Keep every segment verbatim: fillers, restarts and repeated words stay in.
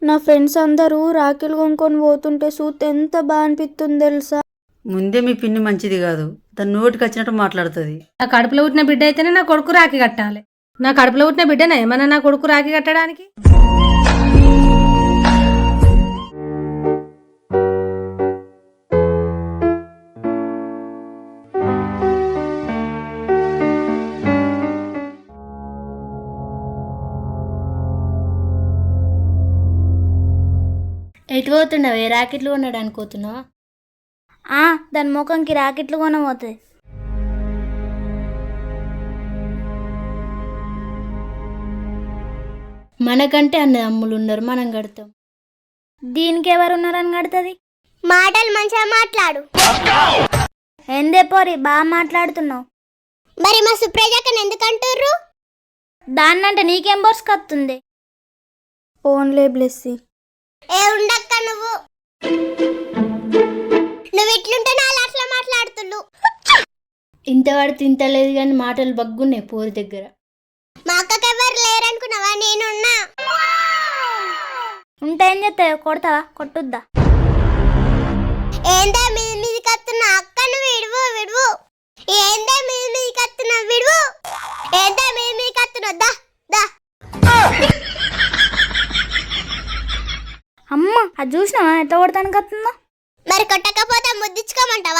నా ఫ్రెండ్స్ అందరూ రాఖీలు కొనుక్కొని పోతుంటే చూస్తే ఎంత బాగా అనిపిస్తుంది తెలుసా. ముందే మీ పిన్ని మంచిది కాదు, తన నోటికి వచ్చినట్టు మాట్లాడుతుంది. నా కడుపులో పుట్టిన బిడ్డ అయితేనే నా కొడుకు రాఖీ కట్టాలి. నా కడుపులో పుట్టిన బిడ్డనే ఏమన్నా నా కొడుకు రాఖీ కట్టడానికి? ఎటు పోతున్నావే? రాకెట్లు కొనడానికి పోతున్నావా? ఆ దాని ముఖంకి రాకెట్లు కొనబోతుంది. మనకంటే అన్న అమ్ములు ఉన్నారు, మనం కడతాం. దీనికి ఎవరు ఉన్నారని కడుతుంది? మాటలు మంచిగా మాట్లాడు. ఎందే పోరి బాగా మాట్లాడుతున్నావు. మరి మా సుప్రజాకని ఎందుకంటుర్రు? దాన్నంటే నీకేం బోర్సుకొస్తుంది? ఓన్లే బ్లెస్సి. ఏ ఉండక్క నువ్వు నువ్వు ఇట్లుంటే నాలుగు అట్లా మాట్లాడుతుళ్ళు. ఇంత పడితే ఇంత లేదు కానీ మాటలు బగ్గున్నాయి పోరి దగ్గర. మా అక్కకి ఎవరు లేరనుకున్నావా? నేనున్నా. ఉంటే ఏం చేస్తావు? కొడతావా? కొట్టుద్దా? ఏందా మీద మీది కత్తున్నా? అక్కను విడువు విడువు. ఏందా మీద మీది కత్తున్నా? విడువు. ఏందా మీద మీది కత్తున్నా? దా దా. అమ్మ అది చూసినావా ఎట్లా కొడతానికి వస్తుందో? మరి కొట్టకపోతే ముద్దించుకోమంటావా?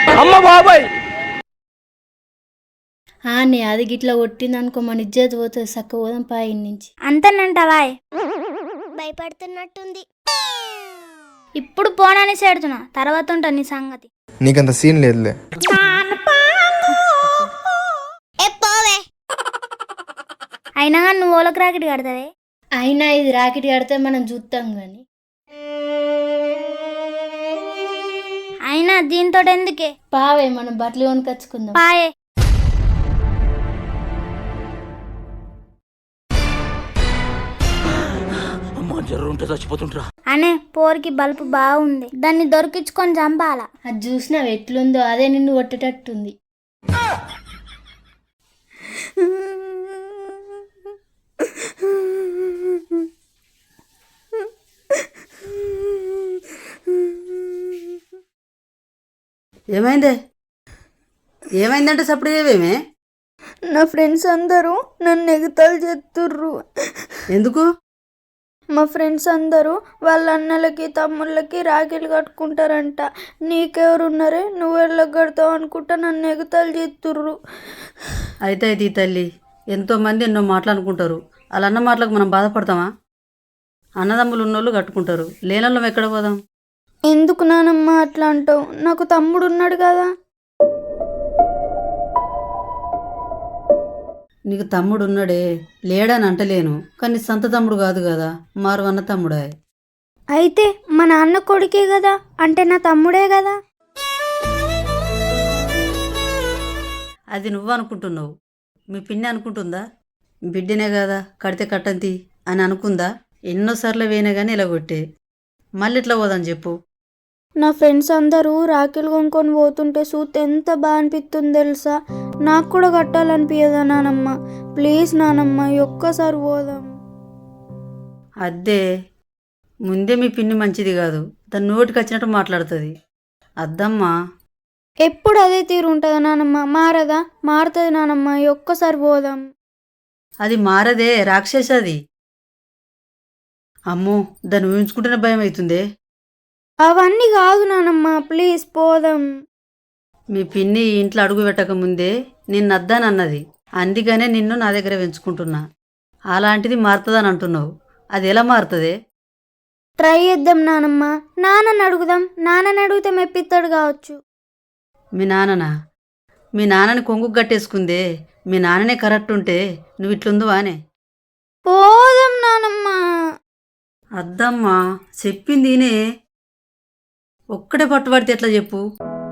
ఆ నే అది గిట్లా కొట్టింది అనుకో మన ఇజ్జత్ పోతుంది. సక్క పోదాం పా ఇన్ని నుంచి. అంతేనంటావా? భయపడుతున్నట్టుంది. ఇప్పుడు పోనని చేడుతున్నా, తర్వాత ఉంటా నీ సంగతి. నీకంత సీన్ లేదులే. ఏ పోవే. అయినా కానీ నువ్వు ఓలకు రాకెట్ కడతావే. అయినా ఇది రాకెట్ కడితే మనం చూస్తాం గాని. అయినా దీంతో ఎందుకే? పావే మనం బట్టలు కొనుకొచ్చుకుందాం. పాయే. అనే పోరికి బల్బు బాగుంది, దాన్ని దొరికించుకొని చంపాలా. అది చూసినావు ఎట్లుందో, అదే నిన్ను కొట్టేటట్టుంది. ఏమైందే? ఏమైందంటే సప్పుడు ఏమేమే? నా ఫ్రెండ్స్ అందరూ నన్ను ఎగతాళి చేస్తుర్రు. ఎందుకు? మా ఫ్రెండ్స్ అందరూ వాళ్ళ అన్నలకి తమ్ముళ్ళకి రాఖీలు కట్టుకుంటారంట. నీకెవరున్నారే? నువ్వు వెళ్ళకి కడతావు అనుకుంటా నన్ను ఎగతాళి చేస్తుర్రు. అయితే అయితే ఈ తల్లి, ఎంతోమంది ఎన్నో మాట్లాడుకుంటారు. వాళ్ళ అన్న మాటలకు మనం బాధపడతామా? అన్నదమ్ములు ఉన్నోళ్ళు కట్టుకుంటారు, లేనోళ్ళం ఎక్కడ పోదాం? ఎందుకు నానమ్మ అట్లా అంటావు? నాకు తమ్ముడు ఉన్నాడు కదా. నీకు తమ్ముడు ఉన్నాడే, లేడని అంటలేను, కానీ సొంత తమ్ముడు కాదు కదా, మారు అన్న తమ్ముడే. అయితే మా నాన్న కొడుకే కదా, అంటే నా తమ్ముడే కదా. అది నువ్వు అనుకుంటున్నావు, మీ పిన్ని అనుకుంటుందా? బిడ్డనే కదా కడితే కట్టంతి అని అనుకుందా? ఎన్నోసార్లు వేయనే కానీ ఇలా కొట్టే, మళ్ళీ ఇట్లా పోదాం చెప్పు. నా ఫ్రెండ్స్ అందరూ రాఖీలు కొనుక్కొని పోతుంటే చూస్తే ఎంత బాగా అనిపిస్తుంది తెలుసా. నాకు కూడా కట్టాలనిపించదా నానమ్మ? ప్లీజ్ నానమ్మ ఒక్కసారి పోదాం. అద్దే, ముందే మీ పిన్ని మంచిది కాదు, తన నోటికి వచ్చినట్టు మాట్లాడుతుంది. అద్దమ్మా, ఎప్పుడు అదే తీరు ఉంటుందా నానమ్మ? మారదా? మారుతుంది నానమ్మ, ఒక్కసారి పోదాం. అది మారదే, రాక్షసది. అమ్మో, దాన్ని ఊహించుకుంటేనే భయం అవుతుందే. అవన్నీ కాదు నానమ్మ, ప్లీజ్ పోదాం. మీ పిన్ని ఈ ఇంట్లో అడుగు పెట్టక ముందే నిన్ను అద్దానన్నది, అందుకనే నిన్ను నా దగ్గర పెంచుకుంటున్నా. అలాంటిది మారుతుందని అంటున్నావు, అది ఎలా మారుతుంది? ట్రై చేద్దాం నానమ్మ. నాన్నని అడుగుదాం, నాన్నని అడిగితే మెప్పిస్తాడు కావచ్చు. మీ నాన్ననా? మీ నాన్నని కొంగు కట్టేసుకుందే, మీ నాన్ననే కరెక్ట్ ఉంటే నువ్వు ఇట్లుందువానే? పోదాం నానమ్మ. అద్దమ్మా, చెప్పిందినే, ఒక్కడే పట్టుబడితే ఎట్లా చెప్పు?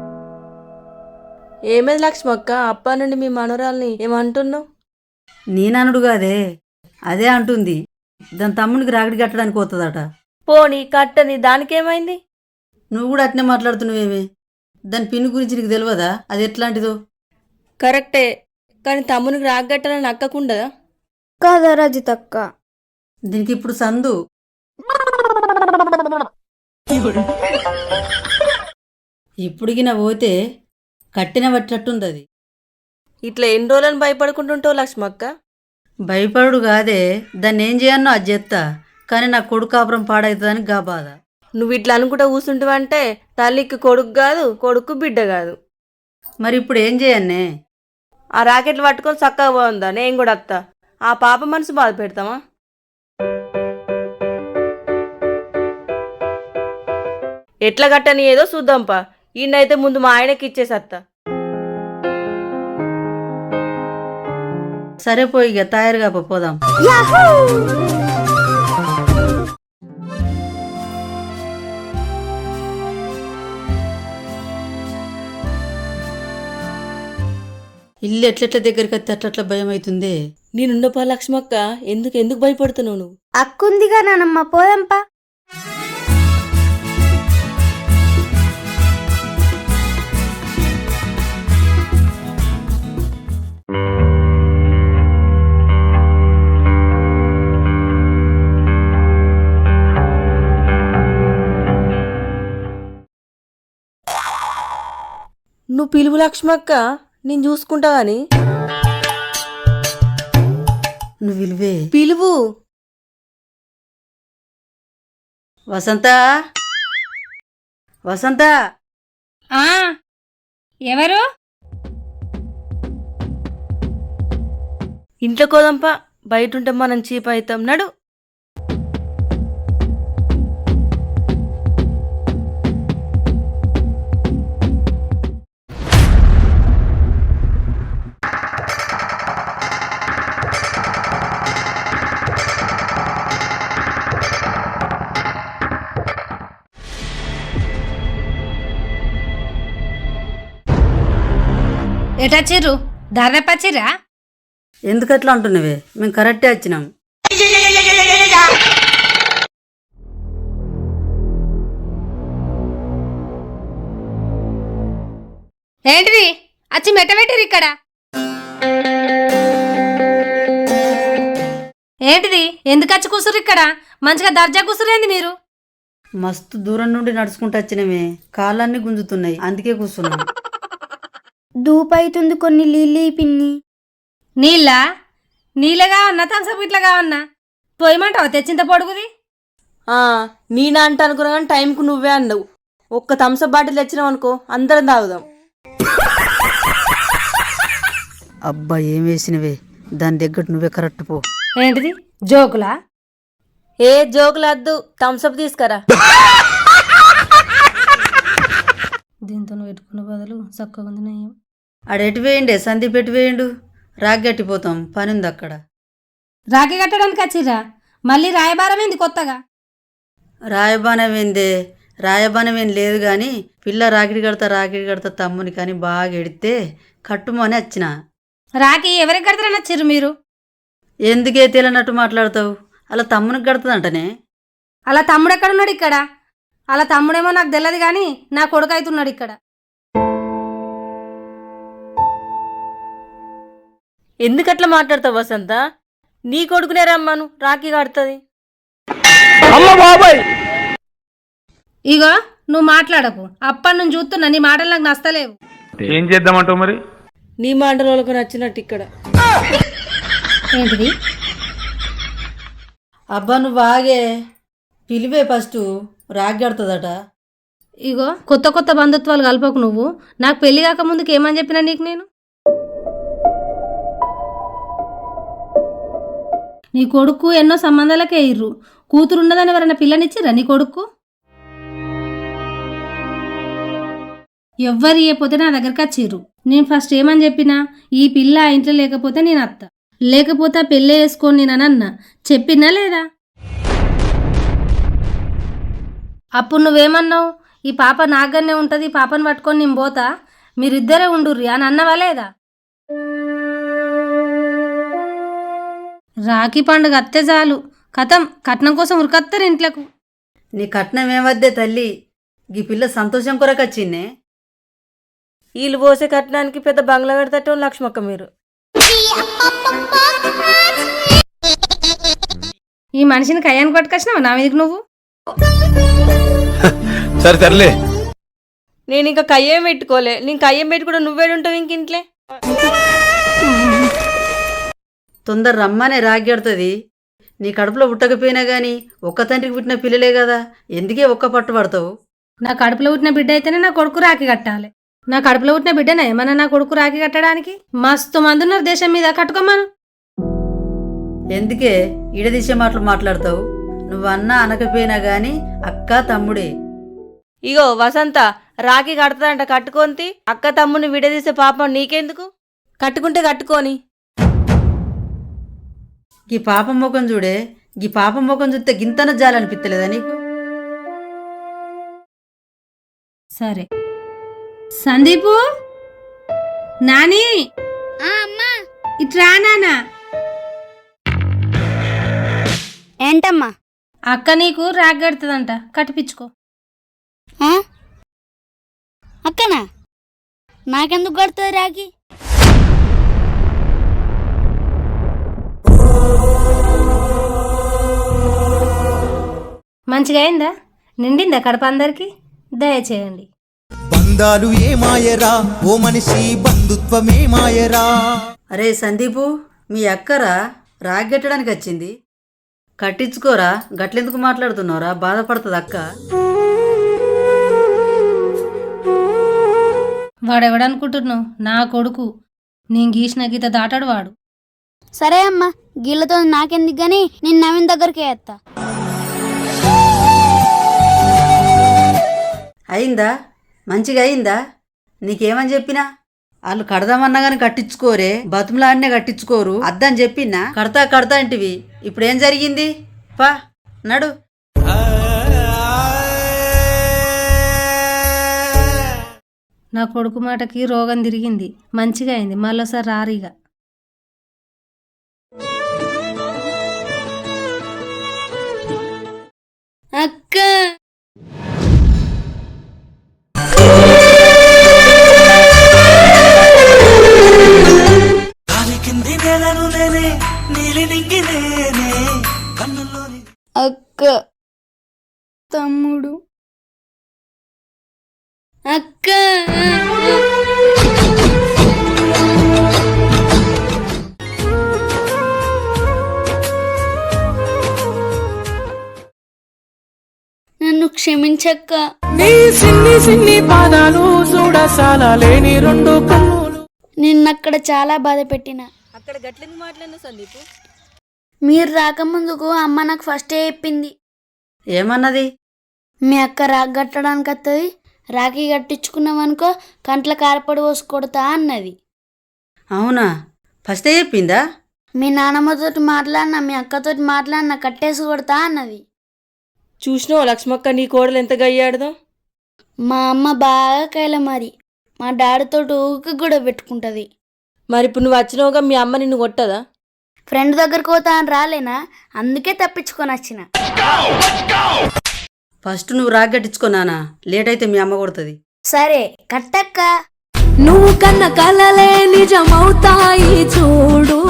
ఏమేది లక్ష్మక్క, అప్ప నుండి మీ మనోరాల్ని ఏమంటున్నావు? నేననుడు కాదే, అదే అంటుంది. దాని తమ్మునికి రాగడి కట్టడానికి పోతుందట. పోనీ కట్టని, దానికేమైంది? నువ్వు కూడా అట్నే మాట్లాడుతున్నావేమే? దాని పిన్ని గురించి నీకు తెలియదా అది ఎట్లాంటిదో? కరెక్టే, కానీ తమ్మునికి రాగట్టాలని అక్కకుండదా? కదా రజితక్క. దీనికి ఇప్పుడు సందు. ఇప్పుడుగిన పోతే కట్టిన పట్టినట్టుంది అది. ఇట్లా ఎన్ని రోజులని భయపడుకుంటుంటావు లక్ష్మక్క? భయపడు కాదే, దాన్ని ఏం చేయన్నో అది చేస్తా, కానీ నా కొడుకు కాపురం పాడవుతుందని గా బాధ. నువ్వు ఇట్లా అనుకుంటా కూర్చుంటావంటే తల్లికి కొడుకు కాదు, కొడుకు బిడ్డ కాదు. మరి ఇప్పుడు ఏం చేయన్నే? ఆ రాకెట్లు పట్టుకొని చక్కగా పోందా, నేను కూడా వస్తా. ఆ పాప మనసు బాధ పెడతామా? ఎట్లా కట్టని ఏదో చూద్దాంపా. ఈయనైతే ముందు మా ఆయనకి ఇచ్చేసత్తా. సరే పోయి ఇక తయారుగా పో, పోదాం. ఇల్లు ఎట్లెట్ల దగ్గరికి వస్తే అట్లట్ల భయం అవుతుంది. నేనుండపా లక్ష్మక్క, ఎందుకు ఎందుకు భయపడుతున్నావు నువ్వు? అక్కుందిగా నానమ్మ, పోదాంపా. నువ్వు పిలువు లక్ష్మక్క, నేను చూసుకుంటా గాని. నువ్వు విలువే. పిలువు. వసంత, వసంత. ఆ ఎవరు? ఇంట్లో కోదంపా, బయట ఉంటే మనం చీప్ అవుతాం. నడు. ఎటచ్చిర్రు? దాదాపచ్చిరా? ఎందుకట్లా అంటున్నావే? మేము కరెక్టే వచ్చినాం. ఏంటిది అచ్చి మెట్టబెట్టిరు ఇక్కడ? ఏంటిది? ఎందుకు వచ్చి కూసురు ఇక్కడ? మంచిగా దర్జా కూసురేంది మీరు? మస్తు దూరం నుండి నడుచుకుంటూ వచ్చినమే, కాళ్ళన్నీ గుంజుతున్నాయి, అందుకే కూర్చున్నాం. దూపైతుంది, కొన్ని నీళ్ళు పిన్ని. నీళ్ళ నీళ్ళగా ఉన్నా థమ్సప్ ఇట్లాగా ఉన్నా పోయమంటావా తెచ్చింత పొడుగుది? ఆ నేనా అంట అనుకున్నా కానీ టైంకు నువ్వే అన్నావు. ఒక్క థమ్సప్ బాటిల్ తెచ్చినావు అనుకో, అందరం తాగుదాం. అబ్బా ఏం వేసినవే, దాని దగ్గర నువ్వే కరెక్ట్ పో. ఏంటిది జోకులా? ఏ జోకులద్దు, థమ్సప్ తీసుకురా. దీంతో పెట్టుకున్న బదులు చక్కగా ఉంది నయం. ఆడెటు వేయండే, సందీప్ ఎటు వేయండు, రాగ్గట్టిపోతాం, పని ఉంది అక్కడ. రాఖీ కట్టడానికి వచ్చిర్రా? మళ్ళీ రాయబారం ఏంది కొత్తగా? రాయబానం ఏందే, రాయబానం ఏం లేదు కానీ పిల్ల రాకిడి కడతా రాకిడి కడతా తమ్ముని కానీ బాగా ఎడితే కట్టుమని వచ్చిన. రాఖీ ఎవరికి కడతారని వచ్చిర్రు మీరు? ఎందుకే తేలనట్టు మాట్లాడతావు? అలా తమ్మునికి కడుతుందంటనే. అలా తమ్ముడు ఎక్కడున్నాడు ఇక్కడ? అలా తమ్ముడేమో నాకు తెలియదు కానీ నా కొడుకు అవుతున్నాడు ఇక్కడ. ఎందుకట్లా మాట్లాడతావు వసంత? నీ కొడుకునే రమ్మను, రాఖీ కడుతుంది. ఇగో నువ్వు మాట్లాడకు, అప్పటి నుంచి చూస్తున్నా నీ మాటలు నాకు నచ్చలేవు. ఏం చేద్దామంటావు మరి? నీ మాటలు వాళ్ళకు నచ్చినట్టు ఇక్కడ. ఏంటిది? అబ్బా నువ్వు బాగే పిలివే, ఫస్ట్ రాగ్గడుతుందట. ఇగో కొత్త కొత్త బంధుత్వాలు కలపకు నువ్వు. నాకు పెళ్లి కాక ముందుకు ఏమని చెప్పినా నీకు నేను? నీ కొడుకు ఎన్నో సంబంధాలకే ఇర్రు. కూతురున్నదని ఎవరైనా పిల్లనిచ్చిర్రా నీ కొడుకు? ఎవ్వరు ఇయ్యపోతే నా దగ్గరికి వచ్చిర్రు. నేను ఫస్ట్ ఏమని చెప్పినా, ఈ పిల్ల ఆ ఇంట్లో లేకపోతే నేను అత్త, లేకపోతే ఆ పెళ్ళే వేసుకొని నేను అన్నా చెప్పినా లేదా? అప్పుడు నువ్వేమన్నావు? ఈ పాప నాగన్నే ఉంటుంది, ఈ పాపను పట్టుకొని నేను పోతా, మీరిద్దరే ఉండుర్రి అని అన్నవా లేదా? రాఖీ పండుగ అత్తే చాలు కథం, కట్నం కోసం ఉరికత్తారు ఇంట్లోకు. నీ కట్నం ఏమద్దే తల్లి, ఈ పిల్ల సంతోషం కొరకు వచ్చిందే. వీళ్ళు పోసే కట్టడానికి పెద్ద బంగ్లా కడతట్టు లక్ష్మక్క మీరు. ఈ మనిషిని కయ్యాన్ని కొట్టుకొచ్చినావు నా మీదకి నువ్వు. సరే తరలే. నేను ఇంకా కయ్యం పెట్టుకోలే. నేను కయ్యం పెట్టుకుంటే నువ్వేడుంటావు ఇంక ఇంట్లో. తొందర రమ్మనే రాగ్యాడుతుంది. నీ కడుపులో పుట్టకపోయినా గాని ఒక్క తండ్రికి పుట్టిన పిల్లలే కదా, ఎందుకే ఒక్క పట్టు పడతావు? నా కడుపులో పుట్టిన బిడ్డ అయితేనే నా కొడుకు రాఖీ కట్టాలి. నా కడుపులో పుట్టిన బిడ్డనే ఏమన్నా నా కొడుకు రాఖీ కట్టడానికి? మస్తు మంది ఉన్నారు దేశం మీద, కట్టుకోమను. ఎందుకే ఈడదీసే మాటలు మాట్లాడతావు? నువ్వన్నా అనకపోయినా గాని అక్క తమ్ముడే. ఇగో వసంత, రాఖీ కడతాదంట, కట్టుకోంతి. అక్క తమ్ముని విడదీసే పాపం నీకెందుకు? కట్టుకుంటే కట్టుకోని. గీ పాపం ముఖం చూడే, గీ పాపం ముఖం చూస్తే గింతన జాలనిపిత్తలేదా నీకు? సరే సందీపు, నాని అమ్మా ఇట్రా నానా. ఏంటమ్మా? అక్క నీకు రాఖీ కడుతుందంట, కట్టిపించుకో. ఆ? అక్కనా? నాకెందుకు కడుతుంది రాఖీ? మంచిగా అయిందా? నిండిందా కడప అందరికి? దయచేయండి. బంధాలు ఏమాయరా ఓ మనిషి, బంధుత్వమే మాయరా. అరే సందీపు, మీ అక్కరా రాగ్గెట్టడానికి వచ్చింది, కట్టించుకోరా. గట్లెందుకు మాట్లాడుతున్నావురా? బాధపడుతుంది అక్క. వాడెవడనుకుంటున్నావు? నా కొడుకు. నేను గీసిన గీత దాటాడు వాడు. సరే అమ్మా, గీళ్ళతో నాకెందుకు గాని నేను నవీన్ దగ్గరికి వేస్తా. అయిందా? మంచిగా అయిందా? నీకేమని చెప్పినా? వాళ్ళు కడదామన్నా గాని కట్టించుకోరే, బతుములాడినే కట్టించుకోరు. అద్దని చెప్పినా కడతా కడతా అంటివి. ఇప్పుడేం జరిగింది? పా నడు. నా కొడుకు మాటకి రోగం తిరిగింది, మంచిగా అయింది. మళ్ళీసారి రారీగా. అక్క అక్క తమ్ముడు అక్క నన్ను క్షమించక్క. నీ సిన్ని సిన్ని పాదాలు చూడసాల లేని రెండు కన్నులు. నిన్నక్కడ చాలా బాధ పెట్టిన. అక్కడ గట్లెందుకు మాట్లాడినా సందీపు? మీరు రాకముందుకు అమ్మ నాకు ఫస్టే చెప్పింది. ఏమన్నది? మీ అక్క రాగి కట్టడానికి వస్తుంది, రాఖీ కట్టించుకున్నామనుకో కంట్ల కారపడి పోసి కొడతా అన్నది. అవునా? ఫస్టే చెప్పిందా? మీ నాన్నమ్మతోటి మాట్లాడినా, మీ అక్కతోటి మాట్లాడినా కట్టేసి కొడతా అన్నది. చూసినావు లక్ష్మక్క, నీ కోడలు ఎంత గయ్యాడదో. మా అమ్మ బాగా కైల మరి మా డాడీతోటి ఊరికి కూడా పెట్టుకుంటుంది. మరి ఇప్పుడు నువ్వు వచ్చినావుగా, మీ అమ్మ నిన్ను కొట్టదా? ఫ్రెండ్ దగ్గరకు పోతా అని రాలేనా, అందుకే తప్పించుకొని వచ్చిన. ఫస్ట్ నువ్వు రాగ్గట్టించుకున్నానా, లేట్ అయితే మీ అమ్మ కొడుతుంది. సరే కట్టక్క. నువ్వు కన్న కలలే నిజమవుతాయి చూడు.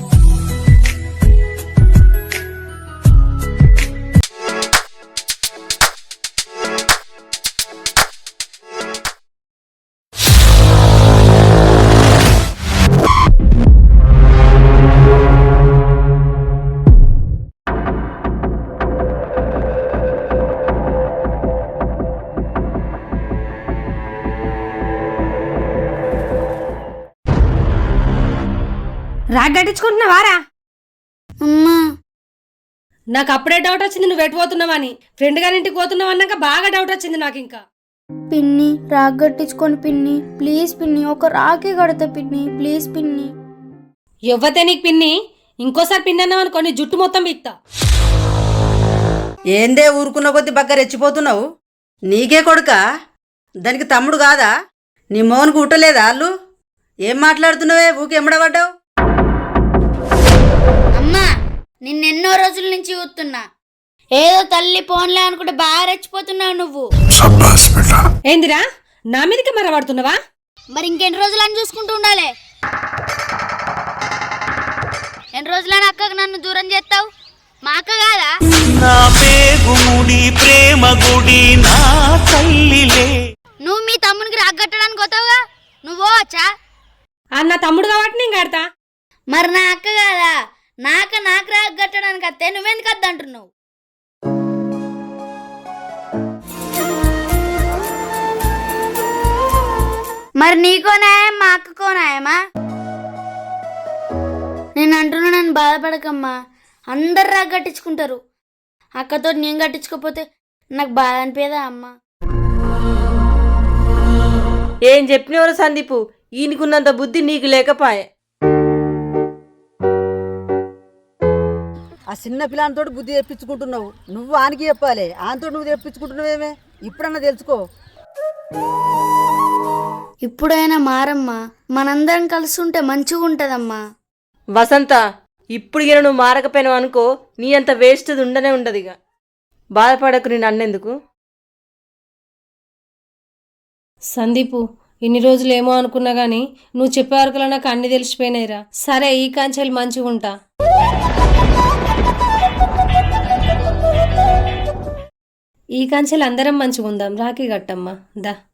రాగి కట్టించుకుంటున్నావారా? అమ్మా నాకు అప్పుడే డౌట్ వచ్చింది నువ్వు ఎటు పోతున్నావని. ఫ్రెండ్ గారి ఇంటికి పోతున్నావు అన్నాక బాగా డౌట్ వచ్చింది నాకు. ఇంకా పిన్ని రాగి కట్టించుకొని పిన్ని, ప్లీజ్ పిన్ని, ఒక రాఖీ కడతా పిన్ని, ప్లీజ్ పిన్ని. ఎవ్వతే నీకు పిన్ని? ఇంకోసారి పిన్ని అన్నావు అనుకో నీ జుట్టు మొత్తం బిక్తా. ఏందే ఊరుకున్న కొద్ది బక్క రెచ్చిపోతున్నావు? నీకే కొడుకా? దానికి తమ్ముడు కాదా? నీ మోహన్కు ఉట్టలేదా వాళ్ళు? ఏం మాట్లాడుతున్నావే? ఊకి ఎమ్మడబడ్డావు? అమ్మా నిన్నెన్నో రోజుల నుంచి చూస్తున్నా, ఏదో తల్లి పోన్లే అనుకుంటే బాగా రెచ్చిపోతున్నావు నువ్వు. ఏందిరా నా మీదకి మరవాడుతున్నావా? మరి ఇంకెన్ని రోజులని చూసుకుంటూ ఉండాలి? ఎన్ని రోజులని అక్కకు నన్ను దూరం చేస్తావు? మా అక్క కాదా? నా పేగుముడి ప్రేమ గుడి నా తల్లిలే. నువ్వు మీ తమ్మునికి రాగట్టడానికి పోతావుగా, నువ్వు పోవచ్చా? అన్న తమ్ముడు కాబట్టి నేను కడతా. మరి నా అక్క కాదా? నాక నాకు రాగట్టడానికి అత్తే నువ్వెందుకు వద్దంటున్నావు? మరి నీకో న్యాయం మా అక్కకో న్యాయమా? నేను అంటున్నా, నన్ను బాధపడకమ్మా. అందరు రాగ కట్టించుకుంటారు. అక్కతో నేను కట్టించుకోకపోతే నాకు బాధ అనిపేదా అమ్మ? ఏం చెప్పినవరు సందీపు, ఈయనకున్నంత బుద్ధి నీకు లేకపాయే. ఆ చిన్న పిల్లలతో బుద్ధి తెప్పించుకుంటున్నావు. నువ్వు ఆనికి చెప్పాలి, ఆంతో నువ్వు తెప్పించుకుంటున్నావేమే? ఇప్పుడన్నా తెలుసుకో. ఇప్పుడైనా మారమ్మా, మనందరం కలిసి ఉంటే మంచిగా ఉంటదమ్మా. వసంత, ఇప్పుడు ఇక నువ్వు మారకపోయినావు అనుకో, నీ అంత వేస్ట్ ఉండనే ఉండదు. ఇక బాధపడకు, నేను అన్నెందుకు. సందీపు, ఇన్ని రోజులు ఏమో అనుకున్నా గానీ నువ్వు చెప్పే వరకులా నాకు అన్ని తెలిసిపోయినాయిరా. సరే, ఈ కాంచెలు మంచిగా ఉంటా. ఈ కాంచెలు అందరం మంచిగా ఉందాం. రాఖీ కట్టమ్మా, దా.